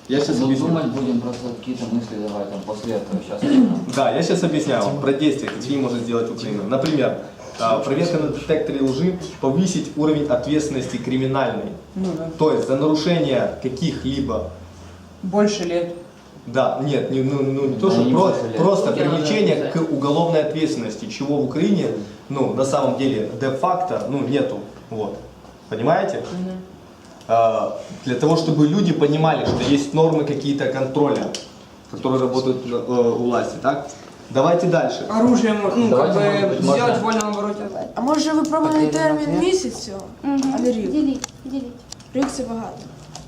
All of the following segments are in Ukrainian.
Я сейчас объясню. Думать будем просто какие-то мысли давай там после этого. Сейчас. Да, я сейчас объясняю вам про действия, какие может сделать Украина. Например, проверка на детекторе лжи, повысить уровень ответственности криминальной. Ну да. То есть за нарушение каких-либо... Больше лет. Да, нет, не то, Да, что не больше лет. просто Сколько привлечение надо к уголовной ответственности, чего в Украине, ну, на самом деле, де-факто, ну, нету. Вот. Понимаете? Для того, чтобы люди понимали, что есть нормы какие-то контроля, которые работают у власти, так? Давайте дальше. Оружие, ну, Давайте, как может бы, быть, сделать можно- в вольном обороте. А може ви пробували Так, термін я- місяцю, а не рік? Діліть. Рік це багато.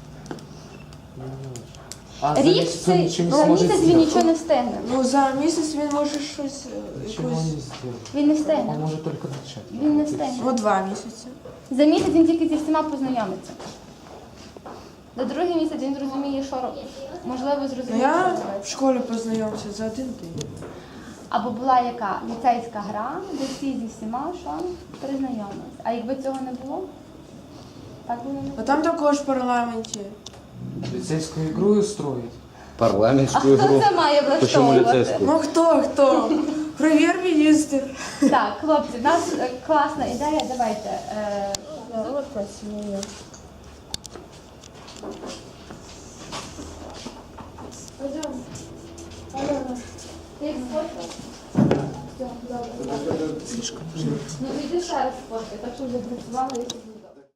Рік це за місяць він нічого не встигне. Ну за місяць він може щось якусь. Він не встигне. Он может только начать. Він не встигне. Ну 2 місяці. За місяць він тільки зі всіма познайомиться. До другий місяць він зрозуміє, що робить. Можливо, Ну зрозуміє, я що в робити. школі познайомився за 1 день. Або була яка ліцейська гра, де всі зі всіма що признайомились. А якби цього не було, так було не А було. там також в парламенті. Лицейскую игру устроить. А Парламентскую хто игру. це має Почему влаштовувати? лицейскую? Ну хто? Прем'єр-міністр. Так, хлопці, в нас класна ідея, давайте. Ти як сфоткав? Ну, йди ще раз сфоткай, так що вже працювали, якщо